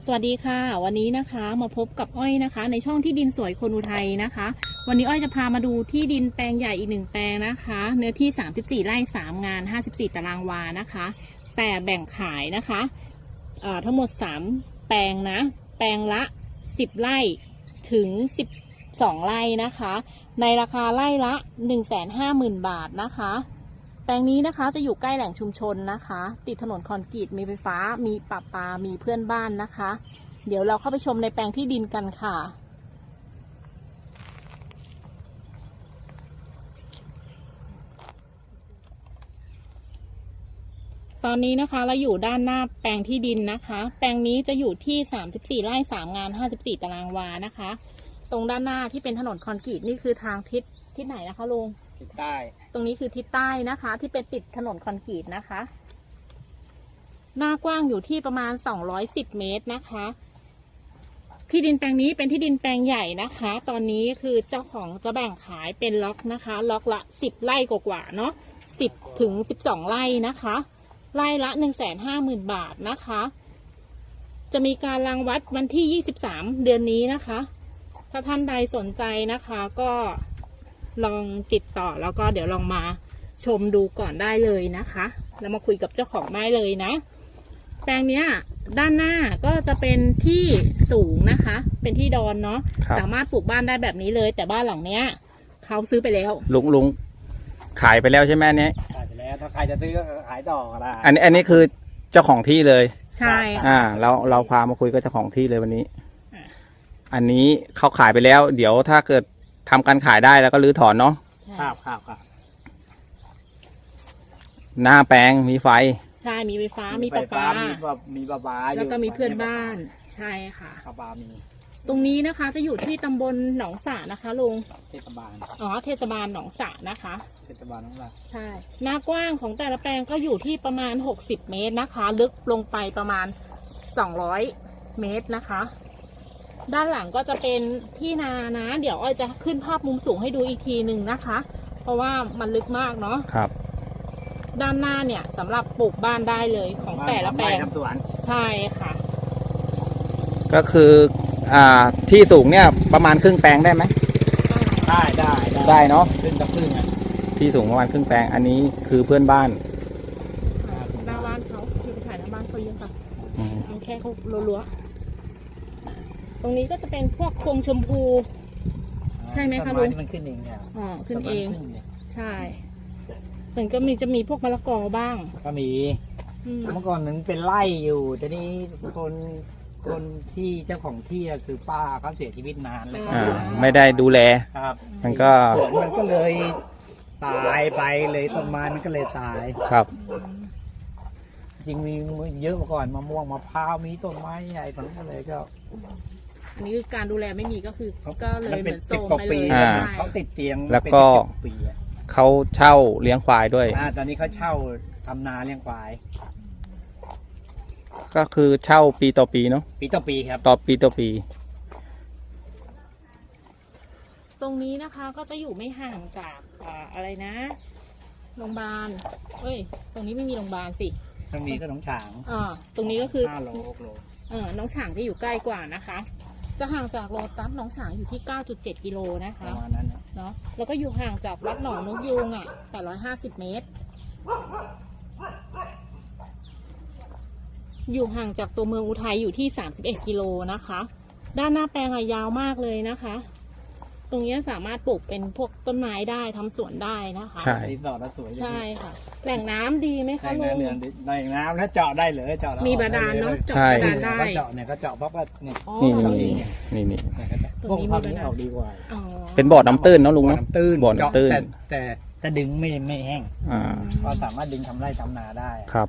สวัสดีค่ะวันนี้นะคะมาพบกับอ้อยนะคะในช่องที่ดินสวยคนอุทัยนะคะวันนี้อ้อยจะพามาดูที่ดินแปลงใหญ่อีก1แปลงนะคะเนื้อที่34ไร่3งาน54ตารางวานะคะแต่แบ่งขายนะคะทั้งหมด3แปลงนะแปลงละ10ไร่ถึง12ไร่นะคะในราคาไร่ละ 150,000 บาทนะคะแปลงนี้นะคะจะอยู่ใกล้แหล่งชุมชนนะคะติดถนนคอนกรีตมีไฟฟ้ามีประปามีเพื่อนบ้านนะคะเดี๋ยวเราเข้าไปชมในแปลงที่ดินกันค่ะตอนนี้นะคะเราอยู่ด้านหน้าแปลงที่ดินนะคะแปลงนี้จะอยู่ที่34ไร่3งาน54ตารางวานะคะตรงด้านหน้าที่เป็นถนนคอนกรีตนี่คือทางทิศไหนนะคะลุงทิศใต้ตรงนี้คือทิศใต้นะคะที่เป็นติดถนนคอนกรีตนะคะหน้ากว้างอยู่ที่ประมาณ210เมตรนะคะที่ดินแปลงนี้เป็นที่ดินแปลงใหญ่นะคะตอนนี้คือเจ้าของจะแบ่งขายเป็นล็อกนะคะล็อกละ10ไร่กว่าๆเนาะ10ถึง12ไร่นะคะไร่ละ 150,000 บาทนะคะจะมีการรังวัดวันที่23เดือนนี้นะคะถ้าท่านใดสนใจนะคะก็ลองติดต่อแล้วก็เดี๋ยวลองมาชมดูก่อนได้เลยนะคะแล้วมาคุยกับเจ้าของได้เลยนะแปลงเนี้ยด้านหน้าก็จะเป็นที่สูงนะคะเป็นที่ดอนเนาะสามารถปลูกบ้านได้แบบนี้เลยแต่บ้านหลังเนี้ยเขาซื้อไปแล้วลุงขายไปแล้วใช่ไหมอันนี้ขายไปแล้วถ้าใครจะซื้อก็ขายต่อก็ได้อันนี้คือเจ้าของที่เลยใช่เราพามาคุยกับเจ้าของที่เลยวันนี้อันนี้เขาขายไปแล้วเดี๋ยวถ้าเกิดทำการขายได้แล้วก็รื้อถอนเนาะครับหน้าแปลงมีไฟใช่มีไฟฟ้ามีประปามีประปาแล้วก็มีเพื่อนบ้านใช่ค่ะประปามีตรงนี้นะคะจะอยู่ที่ตำบลหนองสระนะคะลุงเทศบาลเทศบาลหนองสระนะคะเทศบาลหนองสระใช่หน้ากว้างของแต่ละแปลงก็อยู่ที่ประมาณ60เมตรนะคะลึกลงไปประมาณ200เมตรนะคะด้านหลังก็จะเป็นที่นานะเดี๋ยวอ้อยจะขึ้นภาพมุมสูงให้ดูอีกทีหนึ่งนะคะเพราะว่ามันลึกมากเนาะครับด้านหน้าเนี่ยสำหรับปลูกบ้านได้เลยของแต่ละแปลงใช่ค่ะก็คือที่สูงเนี่ยประมาณครึ่งแปลงได้ไหมได้เนาะครึ่งที่สูงประมาณครึ่งแปลงอันนี้คือเพื่อนบ้านหน้าบ้านเขาคือถ่ายหน้าบ้านเขาเยอะค่ะเอาแค่เขาลัวๆตรงนี้ก็จะเป็นพวกพวงชมพูใช่ไหมคะลุงมันขึ้นเองเนี่ยขึ้นเองใช่แต่ก็จะมีพวกมะละกอบ้างก็มีเมื่อก่อนนั้นเป็นไร่อยู่แต่นี้คนที่เจ้าของที่คือป้าเขาเสียชีวิตนานแล้วไม่ได้ดูแลครับมันก็เลยตายไปเลยต้นไม้มันก็เลยตายครับจริงมีเยอะมาก่อนมะม่วงมะพร้าวมีต้นไม้ใหญ่มันก็เลยก็อันนี้คือการดูแลไม่มีก็คือก็เลยเหมือนโซมไปเลยเขาติดเตียงแล้วก็เขาเช่าเลี้ยงควายด้วยตอนนี้เขาเช่าทำนาเลี้ยงควายก็คือเช่าปีต่อปีเนาะปีต่อปีครับปีต่อปีตรงนี้นะคะก็จะอยู่ไม่ห่างจากอะไรนะโรงพยาบาลตรงนี้ไม่มีโรงพยาบาลสิตรงนี้ก็หนองฉางตรงนี้ก็คือ 5 โล 6 โลหนองฉางจะอยู่ใกล้กว่านะคะจะห่างจากโลตัสหนองฉางอยู่ที่ 9.7 กิโลนะคะประมาณนั้นเนาะแล้วก็อยู่ห่างจากวัดหนองนกยูง850เมตรอยู่ห่างจากตัวเมืองอุทัยอยู่ที่31กิโลนะคะด้านหน้าแปลงยาวมากเลยนะคะตรงนี้สามารถปลูกเป็นพวกต้นไม้ได้ทำสวนได้นะคะใช่ใช่ค่ะแหล่งน้ำดีไหมคะลุงแหล่งน้ำถ้าเจาะได้เลยเจาะมีบาดาลเนาะเจาะบาดาลได้เจาะเนี่ยก็เจาะเพราะว่านี่พวกความนี้ออกดีกว่าเป็นบ่อน้ำตื้นเนาะลุงเนาะบ่อน้ำตื้นแต่ดึงไม่แห้งก็สามารถดึงทำไร่ทำนาได้ครับ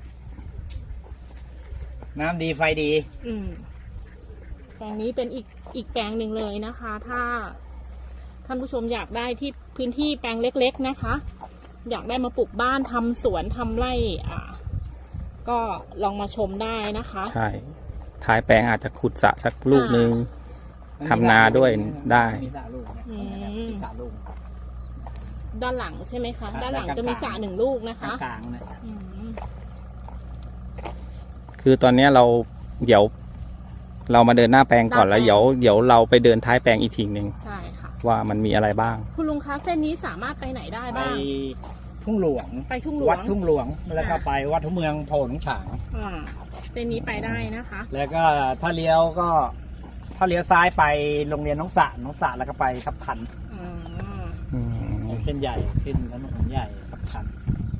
น้ำดีไฟดีแปลงนี้เป็นอีกแปลงหนึ่งเลยนะคะถ้าท่านผู้ชมอยากได้ที่พื้นที่แปลงเล็กๆนะคะอยากได้มาปลูกบ้านทำสวนทำไร่ก็ลองมาชมได้นะคะใช่ท้ายแปลงอาจจะขุดสระสักลูกนึงทำนาด้วยได้ด้านหลังใช่ไหมคะด้านหลังจะมีสระ1 ลูกนะคะกลางนะคือตอนนี้เราเดี๋ยวเรามาเดินหน้าแปลงก่อนหน้าแล้วแปลงเดี๋ยวเราไปเดินท้ายแปลงอีกทีหนึ่งใช่ค่ะว่ามันมีอะไรบ้างคุณลุงคะเส้นนี้สามารถไปไหนได้ไปบ้างทุ่งหลวงไปทุ่งหลวงวัดทุ่งหลวงแล้วก็ไปวัดทุ่งเมืองโพหนองฉางอ่าเส้นนี้ไปได้นะคะแล้วก็ถ้าเลี้ยวซ้ายไปโรงเรียนน้องสระแล้วก็ไปทับทันอ๋อเส้นใหญ่ขึ้นถนนใหญ่ทับทัน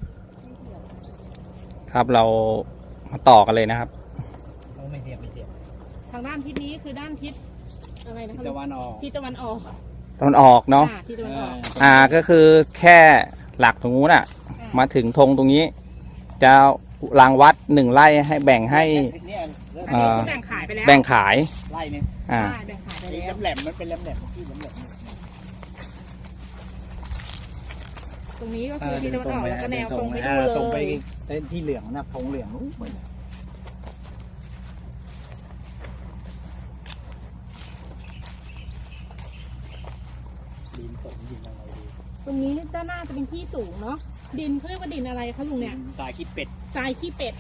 ครับเรามาต่อกันเลยนะครับไม่เทียบทางด้านทิศนี้คือด้านทิศอะไรนะคะตะวันออกทิศตะวันออกตอนออกเนาะทิศตะวันออกก็คือแค่หลักตรงนู้นอ่ะ มาถึงธงตรงนี้ จะรางวัด1 ไร่ให้แบ่งให้เนี่ยอันนี้คือแบ่งขายไปแล้วแบ่งขายไล่เนี่ยอ่าใช่แบ่งขายไปสีแล้วแหลมๆมันเป็นแหลมๆที่แหลมตรงนี้ก็ๆคือทิศตะวันออกแล้วก็แนวตรงไปอ่าดูตรงไปเลยเส้นที่เหลืองนะธงเหลืองนู้นดินตกดินอะไรดีตรงนี้ด้านหน้าจะเป็นที่สูงเนาะดินเขาเรียกว่าดินอะไรคะลุงเนี่ยสายขี้เป็ดทรายขี้เป็ด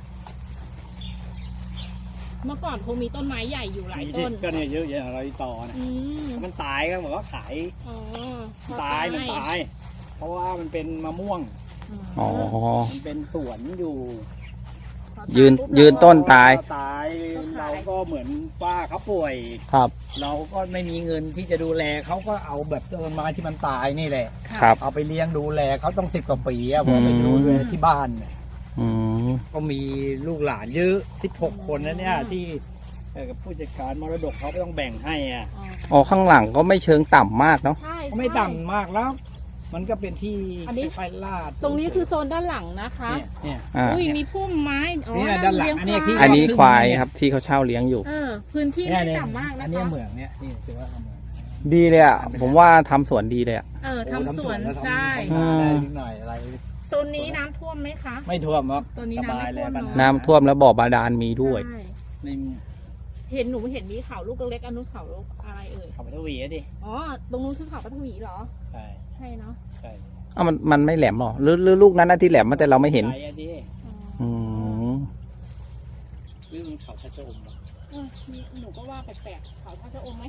เมื่อก่อนคงมีต้นไม้ใหญ่อยู่หลายต้นก็เนี่ยเยอะแยะอะไรต่อนะอืมมันตายก็เหมือนว่าขายอ๋อมันตาย เพราะว่ามันเป็นมะม่วงอ๋อมันเป็นสวนอยู่ยืนต้นตายตายเราก็เหมือนป้าเขาป่วยครับเราก็ไม่มีเงินที่จะดูแลเขาก็เอาแบบต้นไม้ที่มันตายนี่แหละครับเอาไปเลี้ยงดูแลเขาต้อง10 กว่าปีอะผมไปดูแลที่บ้านเนี่ยอืมก็มีลูกหลานเยอะ16 คนนะเนี่ยที่กับผู้จัดการมรดกเขาก็ต้องแบ่งให้อ่ะอ๋อข้างหลังก็ไม่เชิงต่ำมากเนาะใช่ก็ไม่ต่ำมากแล้ว มันก็เป็นที่อันนี้ไฟลาดตรงนี้คือโซนด้านหลังนะคะเนี่ยอ่าอุ้ยมีพุ่มไม้อ๋อเนี่ยด้านหลังเลี้ยอันนี้ที่อันนี้ควายครับที่เขาเช่าเลี้ยงอยู่พื้นที่เนี่ยไม่เนี่ยต่ำมากอันะนนี้คะเหมืองเนี่ยนี่คือว่าเหมืองดีเลยอ่ะ ผมว่าทำสวนดีเลยอ่ะทำสวนแล้วทำได้ทำนาได้นิดหน่อยอะไรโซนนี้น้ำท่วมไหมคะไม่ท่วมครับตัวนี้สน้ำบายไม่เลยท่วมปัญหาเนอะน้ำท่วมแล้วบ่อบาดาลมีด้วยใช่ไม่มีเห็นมีเขาลูกเล็กๆอันนู้นเขาลูกอะไรเอ่ยขับไปทวีอะดิอ๋อ ตรงนู้นคือเขาปฐวีเหรอใช่ใช่เนาะใช่อ้าวมันไม่แหลมหรอหรือลูกนั้นนะที่แหลมมาแต่เราไม่เห็นใจอะดิอืมหรือมันเขาชะโจมปะนี่หนูก็ว่าแปลกๆเขาถ้าจะอมไหม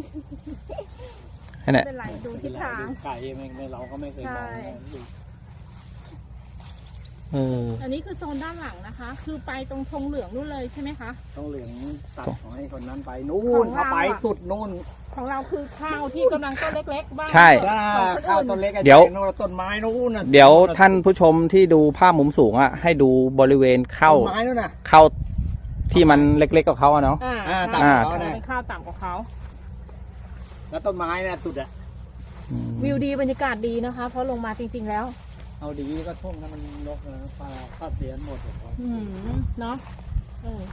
นั่นแหละเป็นไรดูทิศทางไก่ไม่เราก็ไม่เคยมองใช่นะเอออันนี้คือโซนด้านหลังนะคะ คือไปตรงธงเหลืองนู่นเลยใช่ไหมคะต้องเหลืองตัดของให้คนนั้นไปนู่ขนองเราเขาไปอะสุดนู่นของเราคือข้าวที่กำลังต้นเล็กๆบ้างใช่ถ้าของคนข้าวอื่นต้นเล็กอะเดี๋ยวโน่นต้นไม้นู่นน่ะเดี๋ยวท่านผู้ชมที่ดูภาพมุมสูงอ่ะ ให้ดูบริเวณเข้าต้นไม้นู่นน่ะเข้าที่มันเล็กๆกับเขาอะเนาะอ่าต่ำใช่กว่าเขานะเป็นข้าวต่ำกว่าเขาแล้วต้นไม้น่ะสุดอะอืมวิวดีบรรยากาศดีนะคะ เพราะลงมาจริงๆแล้วเอาดีก็ท่วมนะมันนกนะปลาคาบเสียนหมดเลยเนาะเออ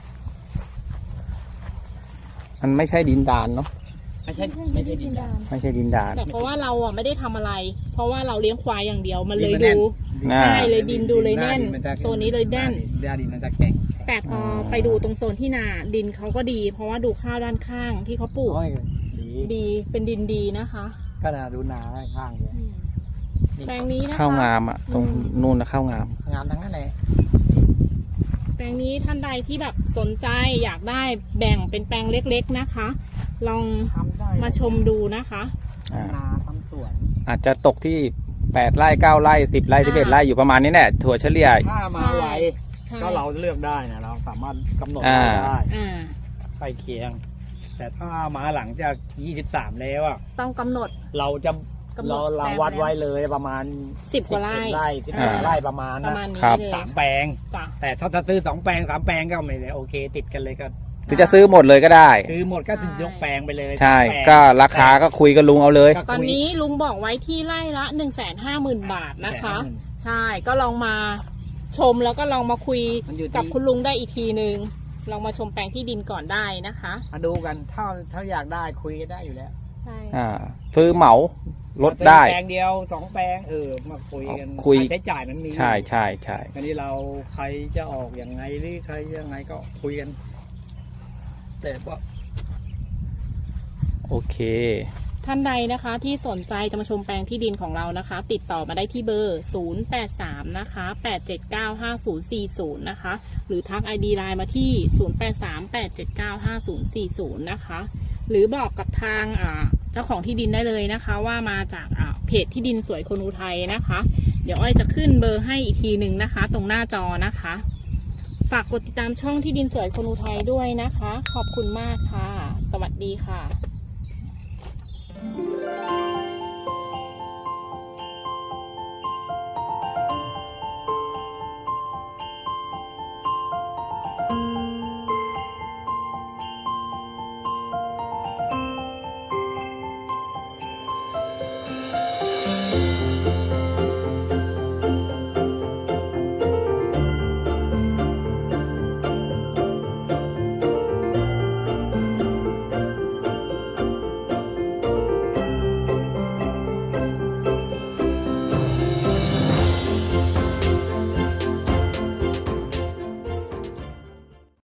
มันไม่ใช่ดินดานเนาะไม่ใช่ดินแดนไม่ใช่ดินดานแต่เพราะว่าเราอ่ะไม่ได้ทำอะไร เพราะว่าเราเลี้ยงควายอย่างเดียวมันเลยดินมันแน่ดูนอ่าใช่เลยดินดูเลยแน่นหาดิมัจะโซนนี้เลยแน่นหน้าดินมันจะแข็งแต่พอไปดูตรงโซนที่นาดินเขาก็ดี เพราะว่าดูข้าวด้านข้างที่เขาปลูกโอ้ยดีดีเป็นดินดีนะคะก็น่าดูนาข้างๆเลยแปลงนี้นะคะข้าวงามอ่ะ ตรงนู่นนะข้าวงามงามทั้งนั้นเลยแปลงนี้ท่านใดที่แบบสนใจอยากได้แบ่งเป็นแปลงเล็กๆนะคะ ลองทำได้มาชมดูนะคะอ่านาทำสวนอาจจะตกที่8 ไร่ 9 ไร่ 10 ไร่ 11 ไร่อยู่ประมาณนี้แหละถั่วเฉลี่ยถ้ามาไวใช่ก็เราเลือกได้นะเราสามารถกำหนดอ่าได้อ่าใกล้เคียง แต่ถ้ามาหลังจาก23แล้วอะต้องกำหนดเราจะกำหนดเราแปลงวัดแล้วไว้เลยประมาณ 10 กว่าไร่ 11ไร่อ่า 12ไร่ประมาณประนะมาณนี้ครับเลย 3 แปลงจ้ะแต่ถ้าจะซื้อ2 แปลง 3 แปลงก็ไม่ได้โอเค ติดกันเลยก็หรือจะซื้อหมดเลยก็ได้ซื้อหมดก็ยกแปลงไปเลยใช่ 3แปลงก็ราคาก็คุยกับลุงเอาเลยก็คุยตอนนี้ลุงบอกไว้ที่ไร่ละ 150,000 บาทนะคะ ใช่ก็ลองมาชมแล้วก็ลองมาคุยมันอยู่กับที่คุณลุงได้อีกทีนึงลองมาชมแปลงที่ดินก่อนได้นะคะมาดูกันถ้าอยากได้คุยกันได้อยู่แล้วใช่ซื้อเหมาลดได้แปลงเดียว2 แปลงมาคุยกันคุยค่าใช้จ่ายมันมีใช่ใช่ใช่อันนี้เราใครจะออกอย่างไงหรือใครยังไงก็คุยกัน แต่ว่าโอเคท่านใดนะคะที่สนใจจะมาชมแปลงที่ดินของเรานะคะ ติดต่อมาได้ที่เบอร์ 083 นะคะ 8795040 นะคะ หรือทัก ID ไลน์มาที่ 0838795040 นะคะ หรือบอกกับทางเจ้าของที่ดินได้เลยนะคะ ว่ามาจากเพจที่ดินสวยคนอุทัยนะคะ เดี๋ยวอ้อยจะขึ้นเบอร์ให้อีกทีหนึ่งนะคะ ตรงหน้าจอนะคะ ฝากกดติดตามช่องที่ดินสวยคนอุทัยด้วยนะคะ ขอบคุณมากค่ะ สวัสดีค่ะ